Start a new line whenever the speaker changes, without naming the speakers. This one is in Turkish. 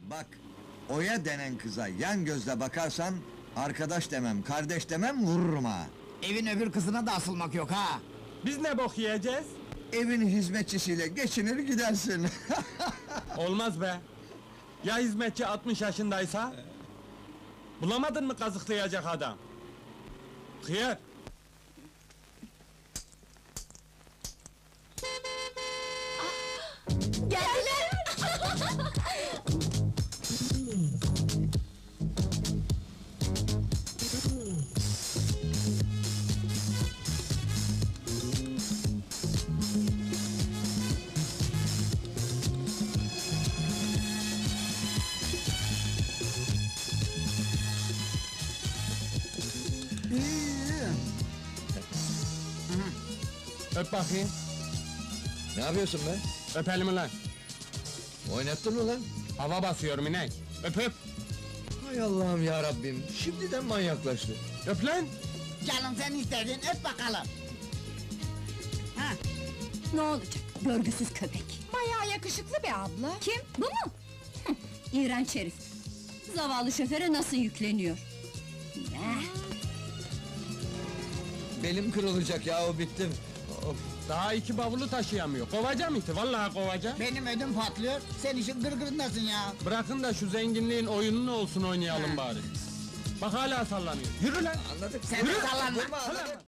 Bak, Oya denen kıza yan gözle bakarsan... ...arkadaş demem, kardeş demem, vururum ha!
Evin öbür kızına da asılmak yok ha!
Biz ne bok yiyeceğiz?
Evin hizmetçisiyle geçinir gidersin!
Olmaz be! Ya hizmetçi 60 yaşındaysa? Bulamadın mı kazıklayacak adam? Hıyar!
Geldiler!
Öp bakayım!
Ne yapıyorsun be?
Öp elimi lan!
Oynattın mı lan?
Hava basıyorum inek! Öp öp!
Hay Allah'ım ya Rabbim, şimdiden manyaklaştı!
Öp lan!
Canım sen istedin, öp bakalım! Ha,
Ne olacak, görgüsüz köpek!
Bayağı yakışıklı bir abla.
Kim, bu mu? Hıh, İğrenç herif! Zavallı şoföre nasıl yükleniyor?
Belim kırılacak yahu, bittim! Of!
Daha 2 bavulu taşıyamıyor, kovacağım iti, vallahi kovacağım!
benim ödüm patlıyor, sen işin gırgırındasın ya!
Bırakın da şu zenginliğin oyununu olsun oynayalım bari! Bak hala sallanıyor, yürü lan!
Anladık!
Sen de sallanma!
Durma, anladık!